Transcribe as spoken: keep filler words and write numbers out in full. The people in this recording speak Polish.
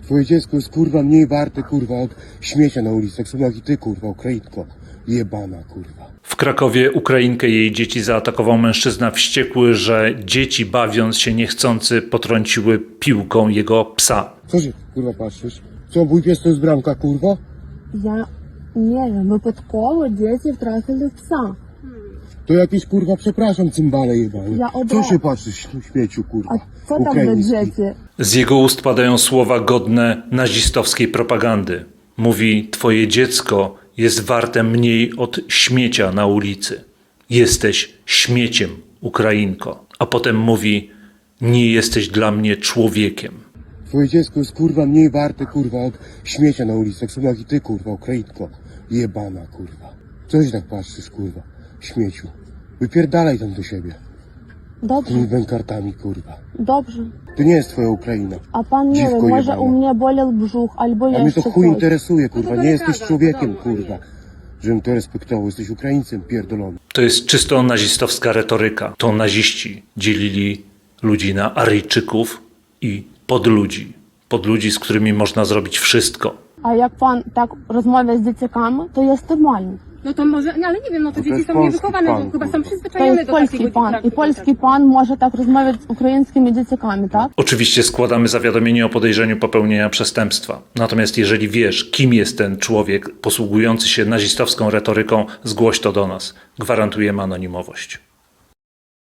Twoje dziecko jest kurwa mniej warte kurwa od śmiecia na ulicy, tak samo jak i ty kurwa, Ukrainko. Jebana kurwa. W Krakowie Ukrainkę i jej dzieci zaatakował mężczyzna wściekły, że dzieci bawiąc się niechcący potrąciły piłką jego psa. Co się kurwa patrzysz? Co, mój pies to jest bramka kurwa? Я не wiem, випадково діти втратили пса. To jakieś kurwa, przepraszam, cymbale jebane. Ja Co obra- się patrzysz w śmieciu kurwa? А co tam do Ukraiński. dzieci? Z jego ust padają słowa godne nazistowskiej propagandy. Mówi, twoje dziecko jest warte mniej od śmiecia na ulicy. Jesteś śmieciem, Ukrainko. A potem mówi, nie jesteś dla mnie człowiekiem. Twoje dziecko jest kurwa mniej warte kurwa od śmiecia na ulicy, tak samo jak i ty kurwa, Ukrainko. Jebana kurwa. Co się tak patrzysz kurwa? Śmieciu. Wypierdalaj tam do siebie. Dobrze, Tymi bękartami kurwa. dobrze. To nie jest twoja Ukraina. A pan nie Dziwko wie, może jebana. u mnie bolał brzuch albo A mnie jeszcze to chuj coś. interesuje kurwa. No to Nie jesteś gada, człowiekiem wiadomo, kurwa. Żebym to respektował. Jesteś Ukraińcem pierdolonym. To jest czysto nazistowska retoryka. To naziści dzielili ludzi na Aryjczyków i podludzi. Podludzi, z którymi można zrobić wszystko. A jak pan tak rozmawia z dzieciakami, to jest normalnie. No to może, no ale nie wiem, no to to dzieci jest są polski niewychowane, pan, bo chyba są kurwa. To przyzwyczajone jest do polski takiego pan. I praktyki. polski pan może tak rozmawiać z ukraińskimi dzieciakami, tak? Oczywiście składamy zawiadomienie o podejrzeniu popełnienia przestępstwa. Natomiast jeżeli wiesz, kim jest ten człowiek posługujący się nazistowską retoryką, zgłoś to do nas. Gwarantujemy anonimowość.